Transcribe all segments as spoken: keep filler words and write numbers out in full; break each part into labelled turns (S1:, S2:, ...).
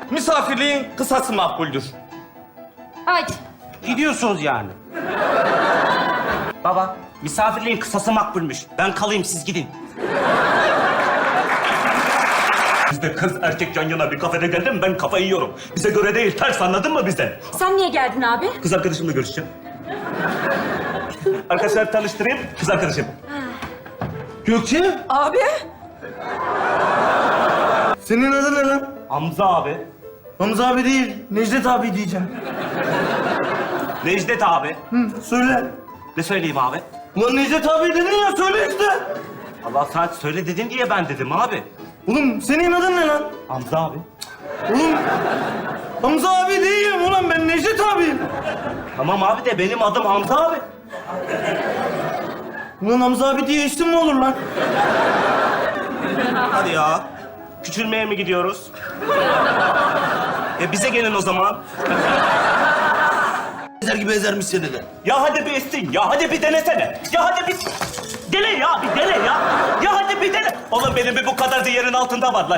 S1: Misafirliğin kısası makbuldür.
S2: Haydi.
S3: Gidiyorsunuz yani. Baba, misafirliğin kısası makbulmüş. Ben kalayım, siz gidin.
S4: Biz de kız erkek yan yana bir kafede geldim, ben kafayı yiyorum. Bize göre değil, ters, anladın mı bizden?
S2: Sen niye geldin abi?
S4: Kız arkadaşımla görüşeceğim. Arkadaşlar tanıştırayım, kız arkadaşım.
S1: Gökçe,
S2: Abi.
S1: senin adın ne lan?
S4: Hamza abi.
S1: Hamza abi değil, Necdet abi diyeceğim.
S4: Necdet abi.
S1: Hı, söyle.
S4: Ne söyleyeyim abi?
S1: Ulan Necdet abi dedin ya, söyle işte.
S4: Allah sen söyle dedin diye ben dedim abi.
S1: Oğlum senin adın ne lan?
S4: Hamza abi.
S1: Oğlum Hamza abi değilim ulan, ben Necdet abiyim.
S4: Tamam abi de benim adım Hamza abi.
S1: Ulan Hamza abi diye isim mi olur lan?
S4: Hadi ya. Küçülmeye mi gidiyoruz? E bize gelin o zaman.
S1: Ezer gibi ezermiş seni de.
S4: Ya hadi bir estin, ya hadi bir denesene. Ya hadi bir... Dene ya, bir dene ya. Ya hadi bir dene. Oğlum benim bir bu kadar da yerin altında var lan.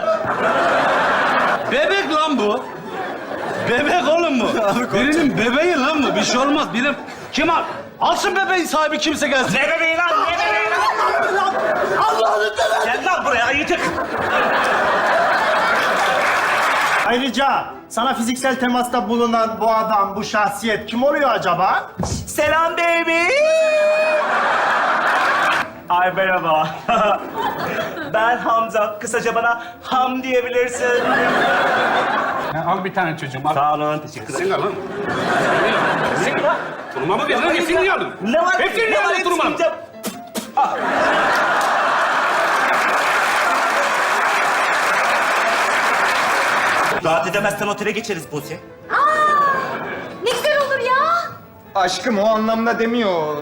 S5: Bebek lan bu. Bebek oğlum bu. Birinin bebeği lan bu. Bir şey olmaz. Benim... Kim al? Alsın bebeğin sahibi, kimse gelsin.
S4: Ne bebeği lan, ne bebeği lan?
S1: Allah'ını seversen.
S4: Gel lan buraya, ayıcık.
S6: Ayrıca sana fiziksel temasta bulunan bu adam, bu şahsiyet kim oluyor acaba?
S4: Selam baby. Ay merhaba. Ben Hamza. Kısaca bana Ham diyebilirsin.
S5: Al bir tane çocuğum. Al.
S4: Sağ olun, teşekkür ederim.
S5: Sen al lan. Sen al. Turuma mı verdin? Hepsini niye aldın?
S4: Ne var?
S5: Hepsini niye
S4: Ne var?
S5: aldın turuma?
S4: Hepsini yiyeceğim. Ah. Rahat edemezsen otele geçeriz Buse.
S2: Ne güzel olur ya.
S7: Aşkım o anlamda demiyor.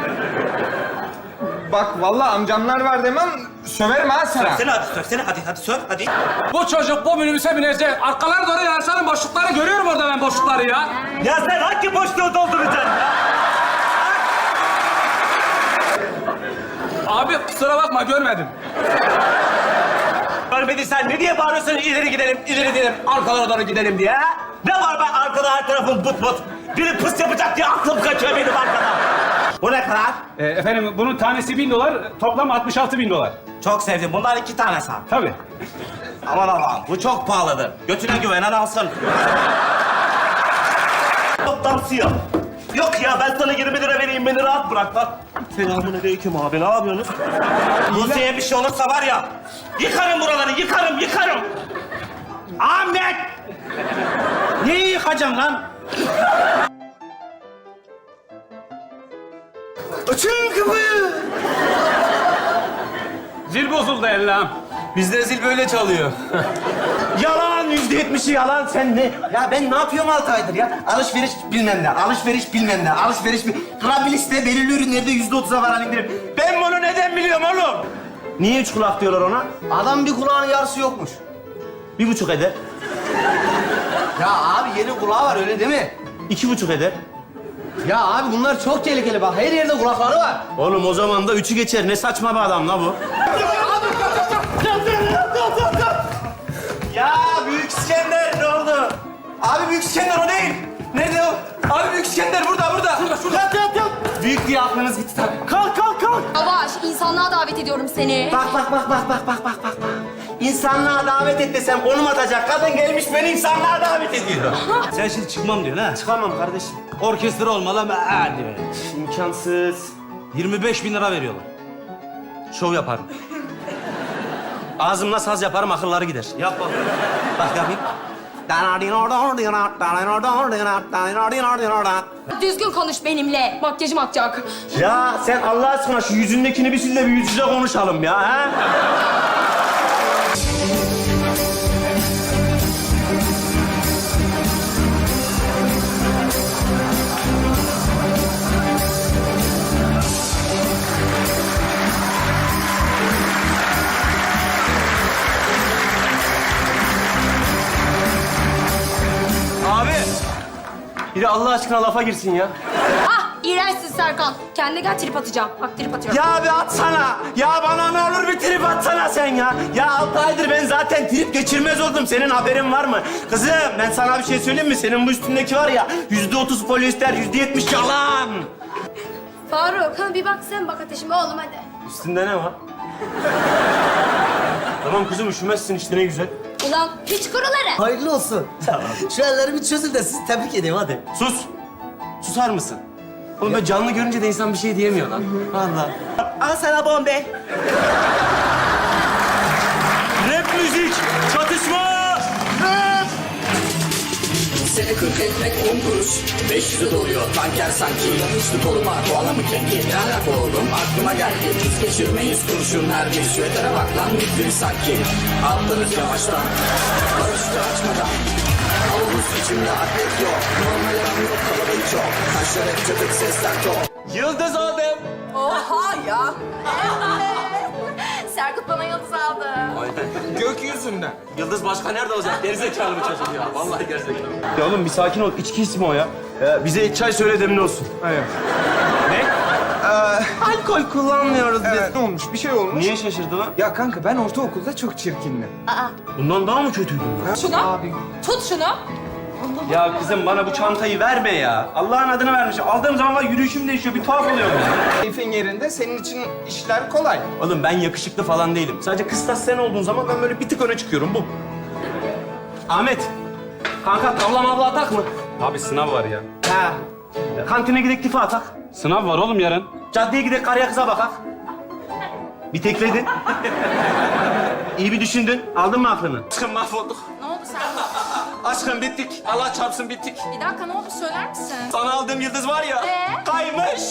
S7: Bak vallahi amcamlar var demem, söverim ha sana.
S4: Söksene hadi, söksene hadi, hadi sök hadi.
S5: Bu çocuk bu minibüse binecek. Arkalara doğru yansarın boşlukları görüyorum orada ben boşlukları ya.
S4: Ya sen hangi boşluğu dolduracaksın ya?
S5: Abi kusura bakma görmedim.
S4: Görmediysen ne diye bağırıyorsun ileri gidelim, ileri gidelim, arkalara doğru gidelim diye? Ha? Ne var ben arkada her tarafım but but. Biri pıs yapacak diye aklım kaçıyor benim arkada. Bu ne kadar?
S5: Ee, efendim bunun tanesi bin dolar, toplam altmış altı bin dolar.
S4: Çok sevdim. Bunlar iki tane sağ.
S5: Tabii.
S4: Aman aman bu çok pahalıdır. Götüne güvenen alsın. Toptan siyah. Yok ya ben sana yirmi lira vereyim beni rahat bırak lan. Selamünaleyküm abi ne yapıyorsunuz? Buse'ye bir şey olursa var ya yıkarım buraları yıkarım yıkarım. Ahmet!
S3: Neyi yıkacaksın lan?
S1: Açın kapıyı.
S5: Zil bozuldu Ellam.
S1: Bizde zil böyle çalıyor.
S3: Yalan, yüzde yetmişi yalan. Sen ne?
S1: Ya ben ne yapıyorum altı aydır ya? Alışveriş bilmem ne, alışveriş bilmem ne, alışveriş bil... Krabilis'te belirli ürünlerde yüzde otuza varan indirim. Ben bunu neden biliyorum oğlum?
S3: Niye üç kulak diyorlar ona?
S1: Adam bir kulağının yarısı yokmuş.
S3: Bir buçuk eder.
S1: Ya abi yeni kulağı var öyle değil mi?
S3: İki buçuk eder.
S1: Ya abi bunlar çok tehlikeli bak. Her yerde kulakları var.
S3: Oğlum o zaman da üçü geçer. Ne saçma bir adam la bu.
S1: Ya Büyük İskender ne oldu? Abi Büyük İskender o değil. Nerede o? Abi Büyük İskender burada burada. Şurada şurada. Yat yat yat. Büyük diye aklınız gitti tabii.
S3: Kalk kalk kalk.
S2: Yavaş, insanlığa davet ediyorum seni.
S3: Bak bak bak bak bak bak bak bak. İnsanlığa davet et desem konum atacak. Kadın gelmiş beni insanlığa davet ediyor.
S5: Sen şimdi çıkmam diyorsun ha.
S3: Çıkamam kardeşim.
S5: Orkestra olmalı ama hadi be.
S3: İmkansız.
S5: yirmi beş bin lira veriyorlar. Şov yaparım.
S3: Ağzımla saz yaparım, akılları gider.
S5: Yap bak.
S3: Bak yapayım.
S2: Düzgün konuş benimle. Makyajım akacak.
S3: Ya sen Allah aşkına şu yüzündekini bir sil de bir yüz yüze konuşalım ya. Ha?
S1: Abi. Biri Allah aşkına lafa girsin ya.
S2: Ah, iğrençsin Serkan. Kendine gel trip atacağım. Bak trip atıyorum.
S3: Ya bir atsana. Ya bana ne olur bir trip atsana sen ya. Ya altı aydır ben zaten
S1: ben trip geçirmez oldum. Senin haberin var mı? Kızım ben sana bir şey söyleyeyim mi? Senin bu üstündeki var ya yüzde otuz polyester, yüzde yetmiş yalan.
S2: Faruk, ha bir bak sen bak ateşime oğlum hadi.
S1: Üstünde ne var? Tamam kızım üşümezsin işte ne güzel.
S2: Ulan piç kuruları.
S8: Hayırlı olsun. Şu elleri bir çözün de sizi tebrik edeyim hadi.
S1: Sus. Susar mısın? Oğlum böyle canlı görünce de insan bir şey diyemiyor lan. Vallahi. Al sana bombe.
S4: Rap müzik, çatışma!
S9: Seni kırk etmek on kuruş, beş yüzü doluyor tanker sanki. Yanlışlı koruma kovalamı kenki. Ne alaka oğlum aklıma geldi. Biz geçirmeyiz kurşun her bir şu etere bak lan bitti sanki. Atlarız yavaştan, barışçı açmadan. Havuz içimde atlet yok, normal aram yok kalabalık çok. Taşlar hep çatık sesler çok.
S1: Yıldız oldum.
S2: Oha ya. Serkut bana yıldız aldı.
S7: Gökyüzünden.
S1: Yıldız başka nerede olacak? Gerizekalı bir çocuk ya. Vallahi gerizekalı. Ya oğlum bir sakin ol. İçki ismi o ya. Ee, bize çay söyle demli olsun.
S7: Hayır.
S1: Ne? Alkol kullanmıyoruz biz.
S7: Evet, ne olmuş? Bir şey olmuş.
S1: Niye şaşırdı lan?
S7: Ya kanka ben ortaokulda çok çirkindim.
S1: Bundan daha mı kötüydün?
S2: Şunu. Tut şunu.
S1: Ya kızım bana bu çantayı verme ya. Allah'ın adını vermiş. Aldığım zaman var yürüyüşüm değişiyor. Bir tuhaf oluyor ya.
S7: Keyfin yerinde senin için işler kolay.
S1: Oğlum ben yakışıklı falan değilim. Sadece kıstas sen olduğun zaman ben böyle bir tık öne çıkıyorum. Bu. Ahmet. Kanka tavla mavla atak mı?
S5: Abi sınav var ya.
S1: Ha. Kantine gidek tifa atak.
S5: Sınav var oğlum yarın.
S1: Caddeye gidek karıya kıza bakak. Bir tekledin. İyi bir düşündün. Aldın mı aklını? Aşkım mahvolduk.
S2: Ne oldu Serkut?
S1: Aşkım bittik. Allah çarpsın bittik.
S2: Bir dakika ne oldu söyler misin?
S1: Sana aldığım yıldız var ya.
S2: Ee?
S1: Kaymış.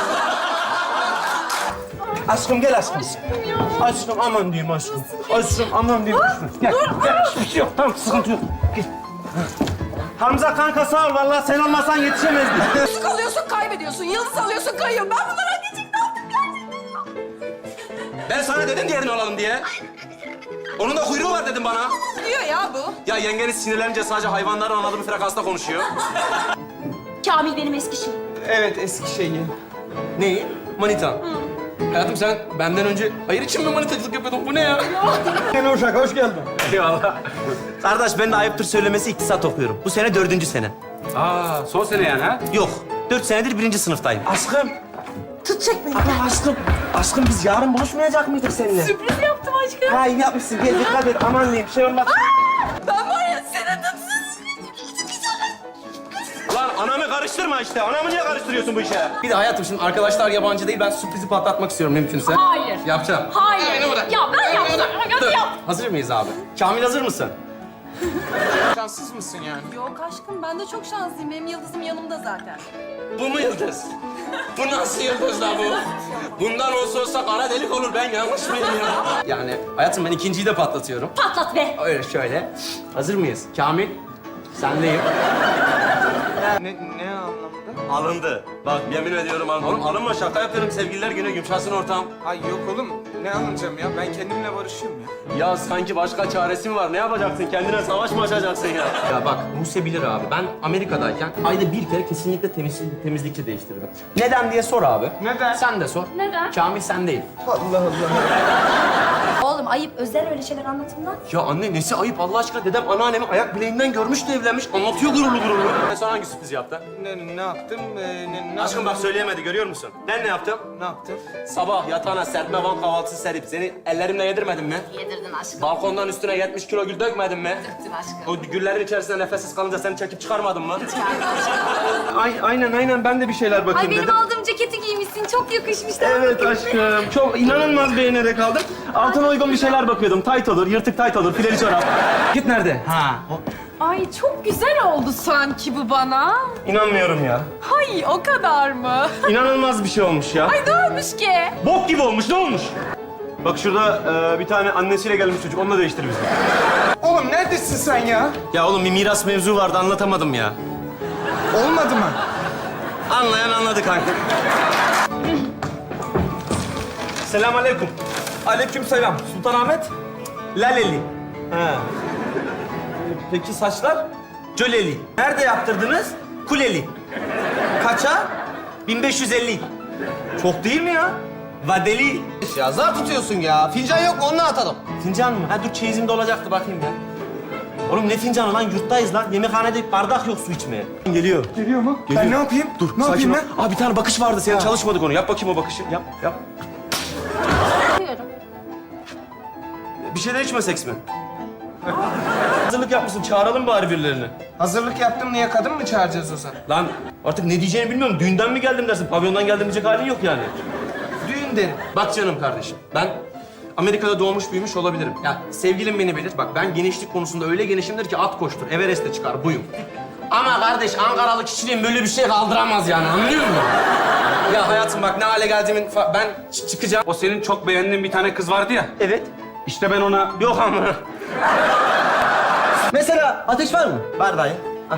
S1: Aşkım gel aşkım. Aşkım aman diyeyim aşkım. Aşkım aman diyeyim aşkım. Gel gel. Hiçbir şey yok. Tamam sıkıntı yok. Gel. Hamza kanka sağ ol. Vallahi sen olmasan yetişemezdik.
S2: Yıldız alıyorsun kaybediyorsun. Yıldız alıyorsun kayıyor. Ben bunlara geçecek ne yaptım
S1: Ben sana dedim diğerini alalım diye. Onun da kuyruğu var dedim bana.
S2: diyor ya bu.
S1: Ya yengeniz sinirlenince sadece hayvanların anladığı bir frekansta konuşuyor.
S2: Kamil benim eski şeyim.
S7: Evet eski şeyi.
S1: Neyi? Manita. Hayatım sen benden önce hayır için mi manitacılık yapıyordun? Bu ne ya?
S7: Yeni uşak hoş geldin.
S1: Eyvallah. Kardeş ben de ayıptır söylemesi iktisat okuyorum. Bu sene dördüncü sene.
S5: Aa son sene yani ha?
S1: Yok. Dört senedir birinci sınıftayım. Aşkım.
S2: Tutacak beni.
S1: Ama aşkım. Aşkım biz yarın buluşmayacak mıydık seninle?
S2: Sürpriz yaptım aşkım.
S1: Ha iyi yapmışsın. Gel dikkat et. Aman diyeyim. Bir şey olmaz.
S2: Ben var ya senin dıpsız.
S1: Lan anamı karıştırma işte. Anamı niye karıştırıyorsun bu işe? Bir de hayatım şimdi arkadaşlar yabancı değil. Ben sürprizi patlatmak istiyorum mümkünse.
S2: Hayır.
S1: Yapacağım.
S2: Hayır. Ya ben yaptım. Hadi
S1: Dur.
S2: yap.
S1: Hazır mıyız abi? Kamil hazır mısın?
S7: Şanssız mısın yani?
S2: Yok aşkım ben de çok şanslıyım. Benim yıldızım yanımda zaten.
S1: Bu mu yıldız? Bu nasıl yıldız la bu? Bundan olsa olsa kara delik olur. Ben yanlış mıyım ya? Yani hayatım ben ikinciyi de patlatıyorum.
S2: Patlat be.
S1: Öyle şöyle. Hazır mıyız? Kamil, sendeyim.
S7: Ne, ne anlamda?
S1: Alındı. Bak yemin ediyorum alındı. Oğlum alınma şaka yapıyorum. Sevgililer günü yumuşasın ortam.
S7: Ay yok oğlum. Ne alınacağım ya? Ben kendimle barışıyorum ya.
S1: Ya sanki başka çaresi mi var? Ne yapacaksın? Kendine savaş mı açacaksın ya? Ya bak Buse bilir abi. Ben Amerika'dayken ayda bir kere kesinlikle temiz, temizlikçi değiştirdim. Neden diye sor abi.
S7: Neden?
S1: Sen de sor.
S2: Neden?
S1: Kamil sen değil.
S7: Allah Allah.
S2: Oğlum ayıp özel öyle şeyler anlatımdan.
S1: Ya anne nesi ayıp Allah aşkına? Dedem anneannemi ayak bileğinden görmüş de evlenmiş. Anlatıyor gururlu gururlu. Ben sana hangi sürpriz yaptı?
S7: Ne, ne yaptım? Ee, ne, ne
S1: Aşkım bak söyleyemedi görüyor musun? Ben ne yaptım?
S7: Ne yaptım?
S1: Sabah yatağına serpme van kahvaltısı serip seni ellerimle yedirmedim mi?
S2: Yedirdin aşkım.
S1: Balkondan üstüne yetmiş kilo gül dökmedim mi?
S2: Döktün aşkım.
S1: O güllerin içerisinde nefessiz kalınca seni çekip çıkarmadım mı? Ay, aynen aynen ben de bir şeyler bakayım
S2: Ay benim
S1: dedim.
S2: aldığım ceketi giymişsin. Çok yakışmış.
S1: Evet aşkım. Çok inanılmaz beğenerek aldım. Altına uygun bir şeyler bakıyordum. Tayt olur, yırtık tayt olur, fileli çorap. Git nerede? Ha.
S10: Ay çok güzel oldu sanki bu bana.
S1: İnanmıyorum ya.
S10: Hay o kadar mı?
S1: İnanılmaz bir şey olmuş ya.
S10: Ay ne olmuş ki?
S1: Bok gibi olmuş. Ne olmuş? Bak şurada e, bir tane annesiyle gelmiş çocuk. Onunla değiştir bizi.
S7: Oğlum neredesin sen ya?
S1: Ya oğlum bir miras mevzu vardı anlatamadım ya.
S7: Olmadı mı?
S1: Anlayan anladı kanka. Selamünaleyküm.
S7: Aleykümselam.
S1: Sultanahmet. Laleli. Ha. Peki saçlar? Cöleli. Nerede yaptırdınız? Kuleli. Kaça? bin beş yüz elli. Çok değil mi ya?
S3: Vadeli.
S8: Ya zar tutuyorsun ya. Fincan yok mu? Onu atalım.
S3: Fincan mı? Ha dur çeyizimde olacaktı bakayım ya. Oğlum ne fincanı lan? Yurttayız lan. Yemekhanede bardak yok su içmeye. Geliyor.
S7: Geliyor mu? Ben ne yapayım? Dur, ne yapayım ben?
S3: Aa bir tane bakış vardı senin. Çalışmadık onu. Yap bakayım o bakışı. Yap, yap. Bir şeyler içmesek mi? Hazırlık yapmışsın. Çağıralım bari birilerini.
S7: Hazırlık yaptım, niye kadın mı çağıracağız o zaman?
S3: Lan artık ne diyeceğini bilmiyorum. Düğünden mi geldim dersin? Pavyondan geldim diyecek halin yok yani.
S7: Düğün derim.
S3: Bak canım kardeşim. Ben Amerika'da doğmuş büyümüş olabilirim. Ya sevgilim beni bilir. Bak ben genişlik konusunda öyle genişimdir ki at koştur. Everest'e çıkar buyum. Ama kardeş Ankaralı kişiliğim böyle bir şey kaldıramaz yani anlıyor musun? Ya hayatım bak ne hale geldiğimin fa- ben ç- çıkacağım.
S5: O senin çok beğendiğin bir tane kız vardı ya.
S3: Evet.
S5: İşte ben ona...
S3: Yok ama.
S8: Mesela ateş var mı?
S3: Var dayı. Al.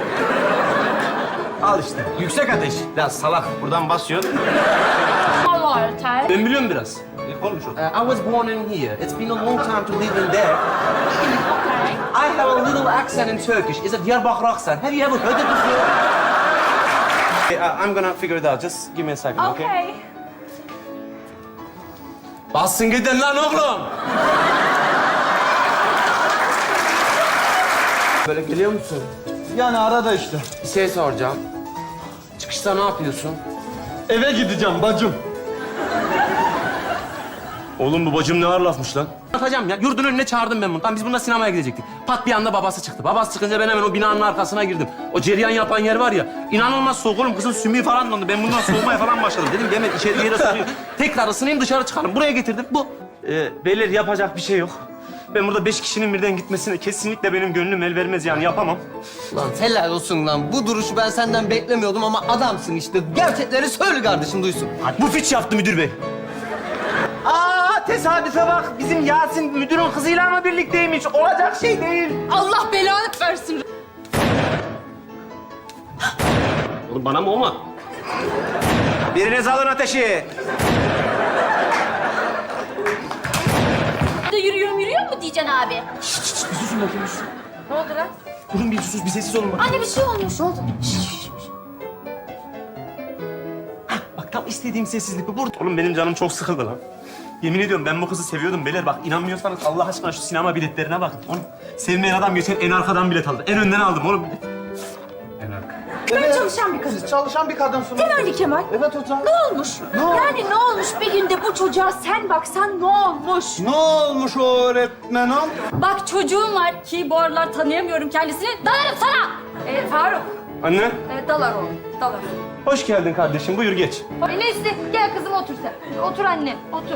S3: Al işte. Yüksek ateş. Biraz salak. Buradan basıyorsun.
S2: Allah yeter.
S3: Ben biliyorum biraz. Konuş o. I was born in here. It's been a long time to live in there. I have a little accent in Turkish. It's a Diyarbakır accent. Have you ever heard it before? Okay, I- I'm gonna figure it out. Just give me a second, okay?
S10: Okay.
S3: Bassın gidin lan oğlum. Böyle geliyor musun?
S7: Yani arada işte.
S3: Bir şey soracağım. Çıkışta ne yapıyorsun?
S7: Eve gideceğim bacım.
S3: Oğlum bu bacım ne ağır lafmış lan. Atacağım ya. Yurdun önüne çağırdım ben bunu. Tam biz bununla sinemaya gidecektik. Pat bir anda babası çıktı. Babası çıkınca ben hemen o binanın arkasına girdim. O cereyan yapan yer var ya. İnanılmaz soğuk oğlum. Kızın sümüğü falan dondu. Ben bundan soğumaya falan başladım. Dedim hemen içeri yere sokuyor. Tekrar ısınayım dışarı çıkalım. Buraya getirdim. Bu. Ee, beyler yapacak bir şey yok. Ben burada beş kişinin birden gitmesine kesinlikle benim gönlüm el vermez yani yapamam.
S8: Lan helal olsun lan. Bu duruşu ben senden beklemiyordum ama adamsın işte. Gerçekleri söyle kardeşim duysun.
S3: Bu fiç yaptı müdür bey. Aa tesadüfe bak. Bizim Yasin müdürün kızıyla mı birlikteymiş? Olacak şey değil.
S10: Allah belanı versin.
S3: Oğlum bana mı o mu? Biriniz alın ateşi.
S2: De yürüyorum yürüyor mu diyeceksin abi?
S3: Şşş şşş bir susun bakayım. bir susun.
S2: Ne oldu lan?
S3: Durun bir sus bir sessiz olun bak.
S2: Anne bir şey olmuş. Ne oldu?
S3: Bak tam istediğim sessizlik bu. Burada. Oğlum benim canım çok sıkıldı lan. Yemin ediyorum ben bu kızı seviyordum beyler. Bak inanmıyorsanız Allah aşkına şu sinema biletlerine bakın. Oğlum sevmeyen adam geçen en arkadan bilet aldı. En önden aldım oğlum.
S5: En arka.
S10: Ben çalışan bir kadın.
S7: Siz çalışan bir kadınsınız.
S10: Değil mi Ali Kemal?
S7: Evet hocam.
S10: Ne olmuş? Yani ne olmuş bir günde bu çocuğa sen baksan ne olmuş?
S7: Ne olmuş o öğretmenim?
S2: Bak çocuğum var ki bu aralar tanıyamıyorum kendisini. Dalarım sana. Ee, Faruk.
S3: Anne
S2: Ee, dalar o. Dalar.
S3: hoş geldin kardeşim. Buyur geç.
S2: Ay neyse gel kızım otur sen. Otur anne otur.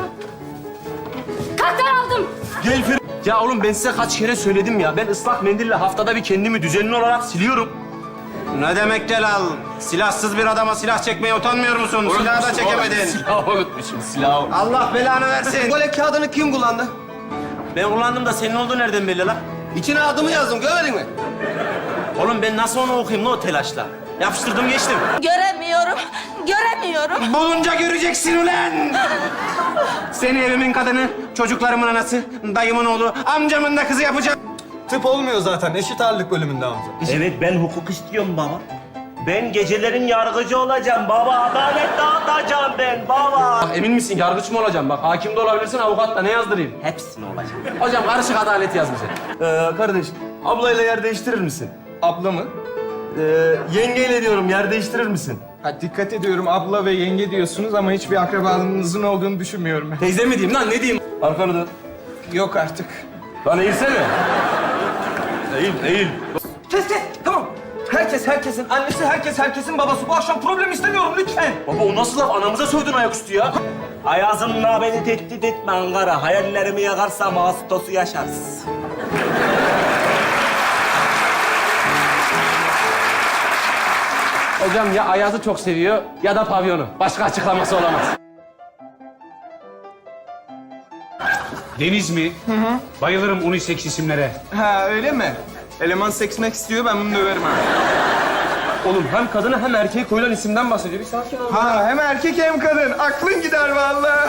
S2: Kalk aldım.
S3: Gel Fir... Ya oğlum ben size kaç kere söyledim ya. Ben ıslak mendille haftada bir kendimi düzenli olarak siliyorum. Ne demek Celal? Silahsız bir adama silah çekmeye utanmıyor musun? Silahı da çekemedin.
S5: Silahı unutmuşum, silahı.
S3: Allah belanı versin.
S8: Tuvalet kağıdını kim kullandı?
S3: Ben kullandım da senin olduğu nereden belli lan?
S8: İçine adımı yazdım görmedin mi?
S3: Oğlum ben nasıl onu okuyayım lan o telaşla? Yapıştırdım geçtim.
S10: Göremiyorum. Göremiyorum.
S3: Bulunca göreceksin ulan! Seni evimin kadını, çocuklarımın anası, dayımın oğlu, amcamın da kızı yapacağım.
S7: Tıp olmuyor zaten. Eşit ağırlık bölümünde amca.
S4: Evet ben hukuk istiyorum baba. Ben gecelerin yargıcı olacağım baba. Adalet dağıtacağım ben baba.
S3: Bak emin misin yargıç mı olacağım? Bak hakim de olabilirsin, avukat da ne yazdırayım?
S4: Hepsini olacağım.
S3: Hocam karışık adalet yaz bize. Ee, kardeş, ablayla yer değiştirir misin?
S7: Abla mı?
S3: Ee, yengeyle diyorum, yer değiştirir misin?
S7: Ha, dikkat ediyorum abla ve yenge diyorsunuz ama hiçbir akrabalığınızın olduğunu düşünmüyorum ben.
S3: Teyze mi diyeyim lan, ne diyeyim? Arkanı dön.
S7: Yok artık.
S3: Lan eğilsene. Eğil, eğil.
S7: Kes kes tamam. Herkes herkesin annesi, herkes herkesin babası. Bu akşam problem istemiyorum lütfen.
S3: Baba o nasıl laf? Anamıza sövdün ayaküstü ya.
S4: Ayazımla beni tehdit etme Ankara. Hayallerimi yakarsam Ağustos'u yaşarız.
S3: Hocam ya Ayaz'ı çok seviyor ya da pavyonu. Başka açıklaması olamaz.
S5: Deniz mi? Hı hı. Bayılırım unisex isimlere.
S7: Ha öyle mi? Eleman seksmek istiyor ben bunu döverim ha.
S3: Oğlum hem kadına hem erkeğe koyulan isimden bahsediyor. Bir sakin ol.
S7: Ha hem erkek hem kadın. Aklın gider vallahi.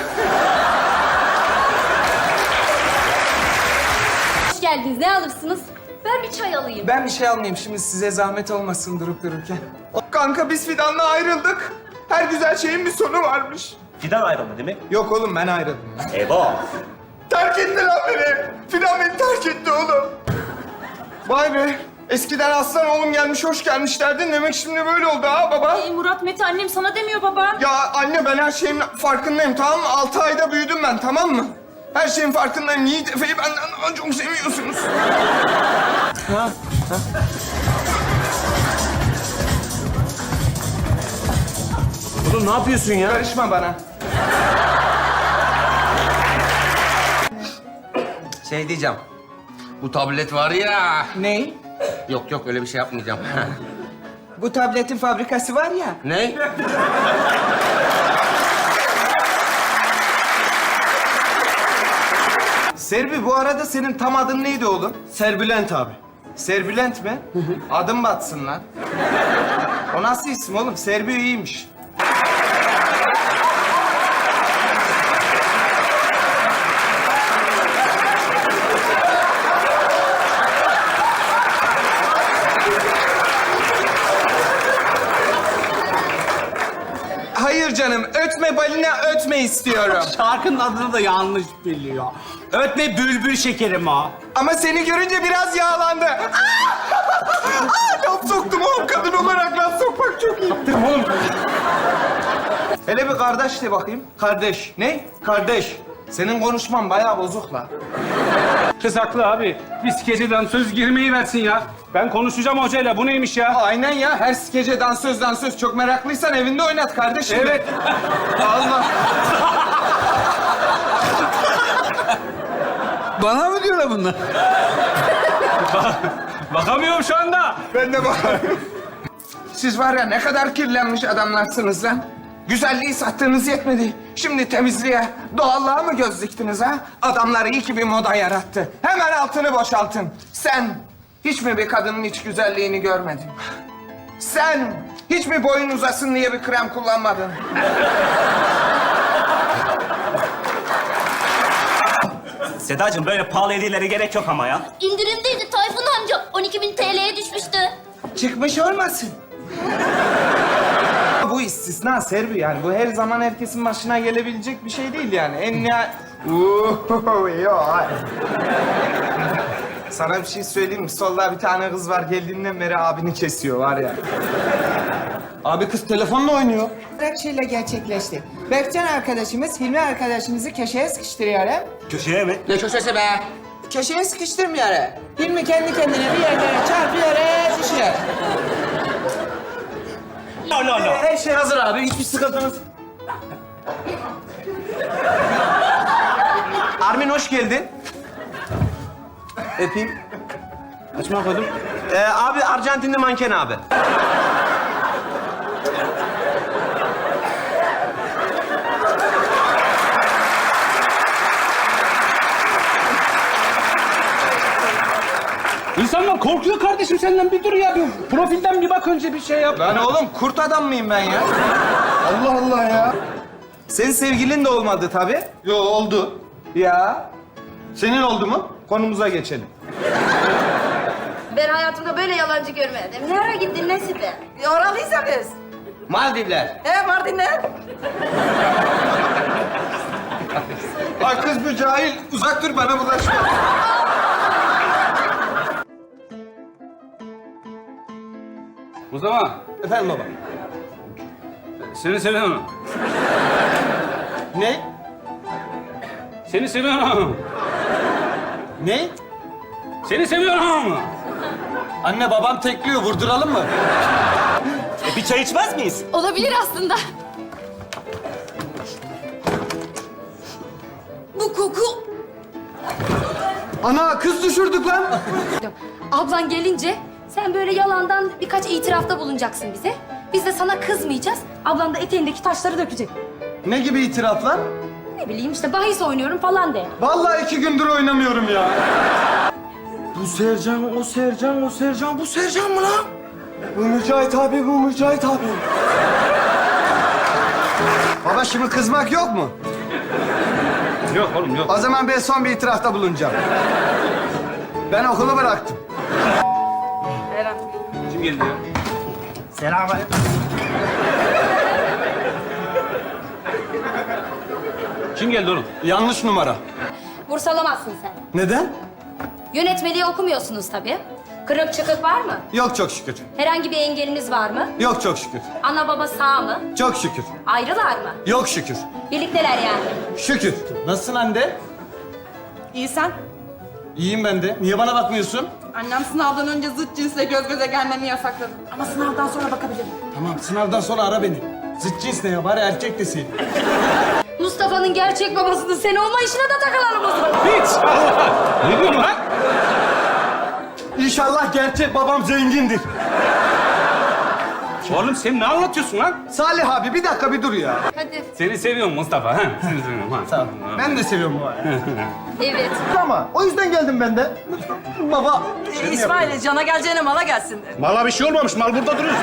S2: Hoş geldiniz. Ne alırsınız? Ben bir çay alayım.
S7: Ben bir şey almayayım şimdi size zahmet olmasın durup dururken. Kanka biz Fidan'la ayrıldık. Her güzel şeyin bir sonu varmış.
S4: Cidden ayrıldı değil mi?
S6: Yok oğlum ben ayrıldım.
S4: Eyvah.
S6: Terk etti lan beni. Fidan beni terk etti oğlum. Vay be. Eskiden aslan oğlum gelmiş hoş gelmiş derdin. Demek şimdi böyle oldu ha baba.
S2: Ey Murat Mete annem sana demiyor baba.
S6: Ya anne ben her şeyin farkındayım tamam mı? Altı ayda büyüdüm ben tamam mı? Her şeyin farkındayım. Yiğit Efe'yi benden daha çok seviyorsunuz.
S3: Oğlum ne yapıyorsun ya?
S6: Karışma bana.
S8: Şey diyeceğim. Bu tablet var ya.
S6: Ne?
S8: Yok yok öyle bir şey yapmayacağım.
S6: Bu tabletin fabrikası var ya.
S8: Ne?
S6: Serbi bu arada senin tam adın neydi oğlum? Serbülent abi. Serbülent mi? Adım batsın lan. O nasıl isim oğlum? Serbi iyiymiş. Hayır canım, ötme balina ötme istiyorum.
S5: Şarkının adını da yanlış biliyor. Ötme bülbül şekerim o.
S6: Ama seni görünce biraz yağlandı. Aa, laf soktum oğlum, kadın olarak laf sokmak çok iyi. Yaptım oğlum. Hele bir kardeş de bakayım. Kardeş. Ne? Kardeş. Senin konuşman bayağı bozuk la.
S5: Kız haklı abi. Bir skeceden söz girmeyi versin ya. Ben konuşacağım hocayla. Bu neymiş ya?
S6: Aynen ya, her gece dansöz dansöz. Çok meraklıysan evinde oynat kardeşim.
S5: Evet.
S6: Allah.
S5: Bana mı diyorlar bunlar? Bakamıyorum şu anda.
S6: Ben de bakıyorum. Siz var ya ne kadar kirlenmiş adamlarsınız lan. Güzelliği sattığınız yetmedi. Şimdi temizliğe, doğallığa mı göz diktiniz ha? Adamlar iyi ki bir moda yarattı. Hemen altını boşaltın. Sen hiç mi bir kadının iç güzelliğini görmedin? Sen hiç mi boyun uzasın diye bir krem kullanmadın?
S4: Sedacığım böyle pahalı hediyelere gerek yok ama ya.
S2: İndirimdeydi Tayfun amca. on iki bin T L'ye düşmüştü.
S6: Çıkmış olmasın? Bu istisna Serbi yani. Bu her zaman herkesin başına gelebilecek bir şey değil yani. En nihayet... Uuu, yok. Sana bir şey söyleyeyim mi? Solda bir tane kız var. Geldiğinden beri abini kesiyor var ya. Abi kız telefonla oynuyor.
S11: Şöyle gerçekleşti. Berkcan arkadaşımız Hilmi arkadaşımızı köşeye sıkıştırıyor. he?
S4: Köşeye mi?
S8: Ne köşesi be?
S11: Köşeye sıkıştırmıyor. he. Hilmi kendi kendine bir yerlere çarpıyor, he, düşüyor.
S4: La la la.
S3: Her şey hazır abi. Hiçbir sıkıntınız. Armin hoş geldin. Öpeyim. Açma koydum. Ee, abi Arjantinli manken abi.
S5: İnsanlar korkuyor kardeşim senden. Bir dur ya. Bir profilden bir bak önce bir şey yap.
S6: Lan oğlum kurt adam mıyım ben ya? Allah Allah ya. Senin sevgilin de olmadı tabii. Yo oldu. Ya. Senin oldu mu? Konumuza geçelim.
S10: Ben hayatımda böyle yalancı görmedim. Nereye gittin Nesibe? Oralıysa biz.
S8: Maldivler.
S10: He Mardin'e.
S6: Ay kız bu cahil. Uzak dur bana bulaşma.
S5: O zaman
S6: Efendim baba.
S5: seni seviyorum.
S6: Ne?
S5: Seni seviyorum.
S6: Ne?
S5: Seni seviyorum.
S6: Anne babam tekliyor. Vurduralım mı?
S4: E, bir çay içmez miyiz?
S2: Olabilir aslında. Bu koku.
S6: Ana kız düşürdük lan.
S2: Ablan gelince sen böyle yalandan birkaç itirafta bulunacaksın bize. Biz de sana kızmayacağız. Ablan da eteğindeki taşları dökecek.
S6: Ne gibi itiraflar?
S2: Ne bileyim işte bahis oynuyorum falan de.
S6: Vallahi iki gündür oynamıyorum ya. Bu Sercan, o Sercan, o Sercan, bu Sercan mı lan? Bu Mücahit abi, bu Mücahit abi. Baba şimdi kızmak yok mu?
S5: Yok oğlum yok.
S6: O zaman ben son bir itirafta bulunacağım. Ben okulu bıraktım.
S5: Kim geldi ya?
S6: Selam.
S5: Kim geldi oğlum? Yanlış numara.
S2: Bursalamazsın sen.
S5: Neden?
S2: Yönetmeliği okumuyorsunuz tabii. Kırık çıkık var mı?
S5: Yok çok şükür.
S2: Herhangi bir engeliniz var mı?
S5: Yok çok şükür.
S2: Ana baba sağ mı?
S5: Çok şükür.
S2: Ayrılar mı?
S5: Yok şükür.
S2: Birlikteler yani.
S5: Şükür. Nasılsın anne?
S11: İyi sen?
S5: İyiyim ben de. Niye bana bakmıyorsun?
S11: Annem sınavdan önce zıt cinsle göz göze gelmemi yasakladı. Ama sınavdan sonra bakabilirim.
S5: Tamam sınavdan sonra ara beni. Zıt cins ne ya? Bari erkek desin.
S2: Mustafa'nın gerçek babasının sen olma işine de takılalım o zaman.
S5: Hiç! Ne diyorsun lan? İnşallah gerçek babam zengindir. Oğlum sen ne anlatıyorsun lan? Salih abi bir dakika bir dur ya.
S2: Hadi.
S5: Seni seviyorum Mustafa. Ha? Seni seviyorum. Ha. Sağ ol. Ben de seviyorum bu
S2: Evet.
S5: Ama o yüzden geldim ben de. Baba.
S11: İsmail, cana geleceğine mala gelsin de.
S5: Mala bir şey olmamış. Mal burada duruyor.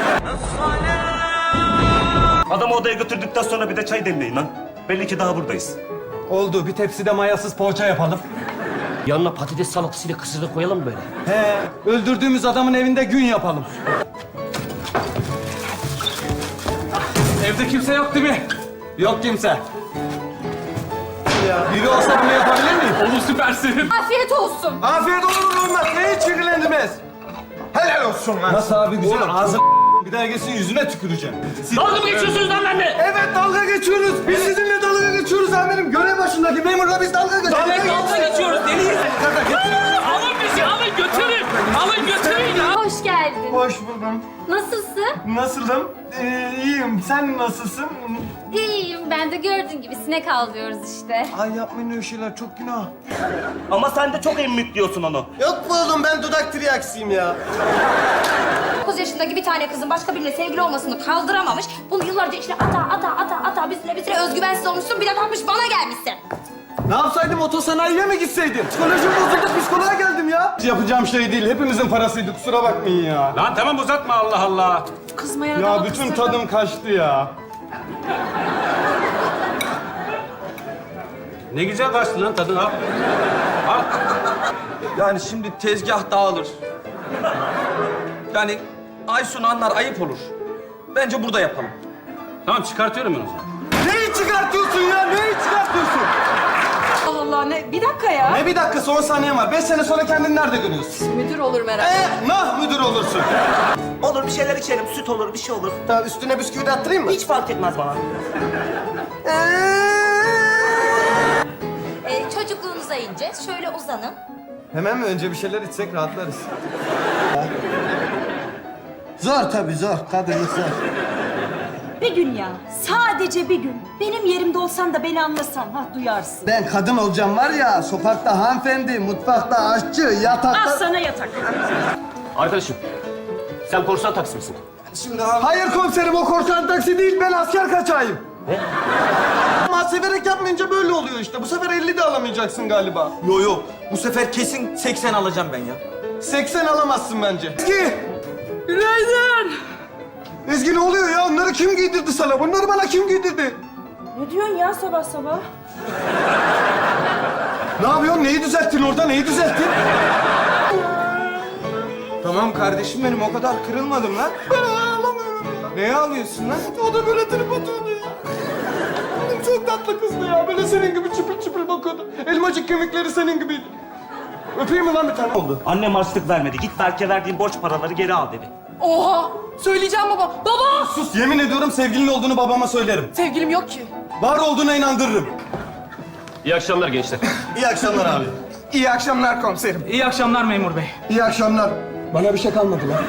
S4: Adamı odaya götürdükten sonra bir de çay demleyin lan. Belli ki daha buradayız.
S5: Oldu. Bir tepside mayasız poğaça yapalım.
S3: Yanına patates salatasıyla kısırı koyalım mı böyle?
S5: He. Öldürdüğümüz adamın evinde gün yapalım. Evde kimse yok değil mi? Yok kimse. Ya biri olsa bunu yapabilir miyim? Olur süpersin.
S2: Afiyet olsun.
S5: Afiyet olur olmaz. Ne hiç ilgilendirmez. Helal olsun lan. Nasıl abi güzel? Oğlum ağzı bir daha gelsin yüzüne tüküreceğim.
S3: Dalga mı geçiyorsunuz lan benimle?
S5: Evet dalga geçiyoruz. Biz sizinle dalga geçiyoruz amirim. Görev başındaki memurla biz dalga geçiyoruz.
S3: Dalga geçiyoruz deliyiz.
S12: Alın bizi, alın götürün. Alın götürün ya.
S2: Hoş geldin.
S5: Hoş buldum.
S2: Nasılsın?
S5: Nasılım? Ee, iyiyim. Sen nasılsın?
S2: İyiyim. Ben de gördüğün gibi sinek avlıyoruz işte.
S5: Ay yapmayın öyle şeyler. Çok günah.
S4: Ama sen de çok emmik diyorsun onu.
S5: Yok mu oğlum? Ben dudak triyaksiyim ya.
S2: dokuz yaşındaki bir tane kızın başka biriyle sevgili olmasını kaldıramamış. Bunu yıllarca işte ata ata ata ata bir süre bir süre özgüvensiz olmuşsun. Bir de kalkmış bana gelmişsin.
S5: Ne yapsaydım? Otosanayiye mi gitseydim? Psikolojim bozuldu. Psikoloğa geldim ya. Yapacağım şey değil. Hepimizin parasıydı. Kusura bakmayın ya.
S12: Lan tamam uzatma Allah Allah.
S11: Kızmaya
S5: Ya bütün tadım kaçtı ya.
S12: Ne güzel kaçtı lan tadın al. Al.
S7: Yani şimdi tezgah dağılır. Yani Aysun anlar ayıp olur. Bence burada yapalım.
S12: Tamam çıkartıyorum ben o zaman.
S5: Neyi çıkartıyorsun ya? Neyi çıkartıyorsun?
S11: Allah Allah, ne? Bir dakika ya.
S5: Ne bir dakika son saniyem var. Beş sene sonra kendini nerede görüyorsun?
S11: Müdür olur merak etme.
S5: Ee, nah müdür olursun.
S4: Olur bir şeyler içelim. Süt olur, bir şey olur.
S5: Tamam üstüne bisküvi de attırayım mı?
S4: Hiç fark etmez bana.
S2: Ee, çocukluğunuza ineceğiz. Şöyle uzanın.
S5: Hemen mi? Önce bir şeyler içsek rahatlarız. Zor tabii zor. Kadınlık zor.
S13: Bir gün ya, sadece bir gün. Benim yerimde olsan da beni anlasan, ha duyarsın.
S5: Ben kadın olacağım var ya, sokakta hanımefendi, mutfakta aşçı, yatakta...
S13: Al sana yatak.
S3: Arkadaşım, sen korsan taksi misin?
S5: Şimdi abi... Hayır komiserim, o korsan taksi değil, ben asker kaçağıyım. Ne? Ama severek yapmayınca böyle oluyor işte. Bu sefer elli de alamayacaksın galiba.
S7: Yo yo. Bu sefer kesin seksen alacağım ben ya.
S5: seksen alamazsın bence. Ezgi! Günaydın! Ezgi ne oluyor ya? Onları kim giydirdi sana? Bunları bana kim giydirdi?
S13: Ne diyorsun ya sabah sabah?
S5: Ne yapıyorsun? Neyi düzelttin orada? Neyi düzelttin? Tamam kardeşim benim, o kadar kırılmadım lan. Ben ağlamıyorum ya. Neye ağlıyorsun lan? O da böyle trip atıyordu ya. Oğlum çok tatlı kızdı ya. Böyle senin gibi çıpır çıpır bakıyordu. Elmacık kemikleri senin gibiydi. Öpeyim mi lan bir tane? Oldu.
S4: Annem harçlık vermedi. Git Berk'e verdiğin borç paraları geri al dedi.
S11: Oha! Söyleyeceğim baba. Baba!
S5: Sus, yemin ediyorum sevgilin olduğunu babama söylerim.
S11: Sevgilim yok ki.
S5: Var olduğuna inandırırım.
S3: İyi akşamlar gençler.
S5: İyi akşamlar abi.
S6: İyi akşamlar komiserim.
S7: İyi akşamlar memur bey.
S5: İyi akşamlar. Bana bir şey kalmadı lan.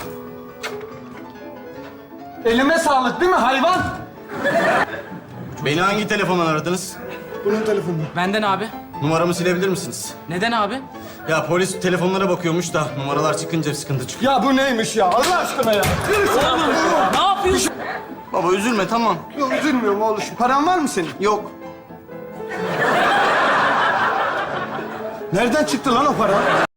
S5: Elime sağlık değil mi hayvan?
S14: Beni hangi telefondan aradınız?
S5: Bunun telefonu.
S7: Benden abi.
S14: Numaramı silebilir misiniz?
S7: Neden abi?
S14: Ya polis telefonlara bakıyormuş da numaralar çıkınca sıkıntı çıkıyor.
S5: Ya bu neymiş ya? Allah aşkına ya.
S7: Oğlum ne yapıyorsun?
S14: Baba üzülme tamam.
S5: Yok üzülmüyorum oğlum. Paran var mı senin?
S14: Yok.
S5: Nereden çıktı lan o para?